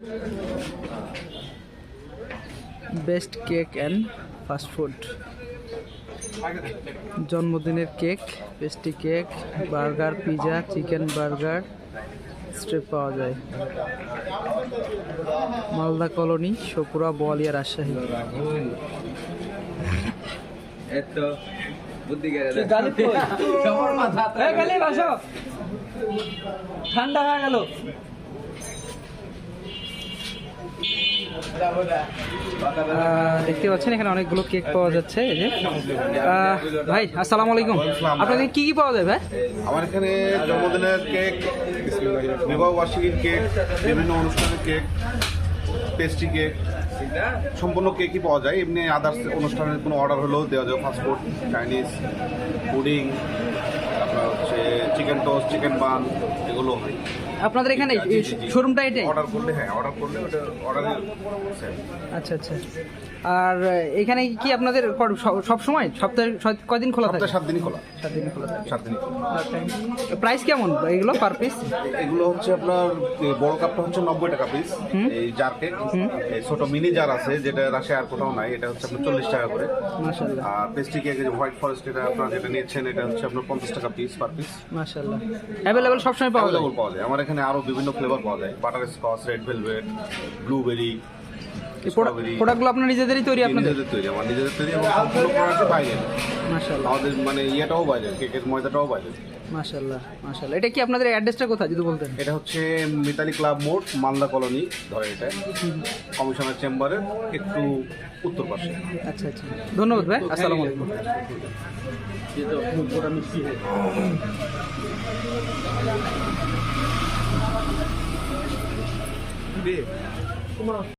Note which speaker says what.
Speaker 1: Best cake and fast food, জন্মদিনের cake, pastry cake, burger, pizza, chicken burger, strip পাওয়া যায়। Malda colony, Sapura, Boalia, Rajshahi. ঠান্ডা হয়ে গেল। দেখতে পাচ্ছেন এখানে অনেকগুলো কেক পাওয়া যাচ্ছে। এই যে ভাই, আসসালামু আলাইকুম, আপনাদের কি কি পাওয়া যায় ভাই?
Speaker 2: আমার এখানে জন্মদিনের কেক, বিবাহ বার্ষিকীর কেক, বিভিন্ন অনুষ্ঠানের কেক, পেস্ট্রি কেক, সম্পূর্ণ কেকই পাওয়া যায়। এমনি আদার্স অনুষ্ঠানের কোনো অর্ডার হলেও দেওয়া যায়। ফাস্টফুড, চাইনিজ, পুডিং, তারপর হচ্ছে চিকেন টোস্ট, চিকেন বান, এগুলো হয়।
Speaker 1: আপনাদের এখানে শোরুমটা এটাই?
Speaker 2: অর্ডার করলে ওটা অর্ডারের।
Speaker 1: আচ্ছা আচ্ছা। আর এখানে কি আপনাদের সব সময় সপ্তাহে কয়দিন খোলা থাকে?
Speaker 2: 7 দিনই খোলা।
Speaker 1: 7 দিন খোলা থাকে।
Speaker 2: 7 দিনই খোলা।
Speaker 1: প্রাইস কেমন এগুলো পার পিস?
Speaker 2: এগুলো হচ্ছে আপনার বড় কাপটা হচ্ছে 90 টাকা পিস, এই জার কেক। এই ছোট মিনি জার আছে যেটা রাশিয়া আর কোথাও নাই, এটা হচ্ছে আপনার 40 টাকা করে।
Speaker 1: মাশাআল্লাহ।
Speaker 2: আর পেস্ট্রি কেক যে হোয়াইট ফরেস্ট, এটা আপনারা যেটা নিচ্ছেন এটা হচ্ছে আপনার 50 টাকা পিস পার পিস।
Speaker 1: মাশাআল্লাহ। অ্যাভেলেবল সবসময় পাওয়া যায়?
Speaker 2: পাওয়া যায়। আমার এখানে আরো বিভিন্ন ফ্লেভার পাওয়া যায়, butterscotch, red velvet, blueberry.
Speaker 1: প্রোডাক্টগুলো আপনার নিজেদেরই তৈরি?
Speaker 2: নিজেদের তৈরি, আমার নিজেদের তৈরি এবং সম্পূর্ণ প্রোডাক্ট বাইরে।
Speaker 1: মাশাআল্লাহ।
Speaker 2: আমাদের মানে ইয়েটাও বাইরে, কেকের ময়দাটাও বাইরে।
Speaker 1: মাশাআল্লাহ মাশাআল্লাহ। এটা কি আপনাদের অ্যাড্রেসটা কোথায় যদি বলতেন?
Speaker 2: এটা হচ্ছে মিতালি ক্লাব মোড়, মালদা কলোনি ধরে, এটা কমিশনার চেম্বারের একটু উত্তর পাশে।
Speaker 1: আচ্ছা আচ্ছা, ধন্যবাদ ভাই, আসসালামু আলাইকুম।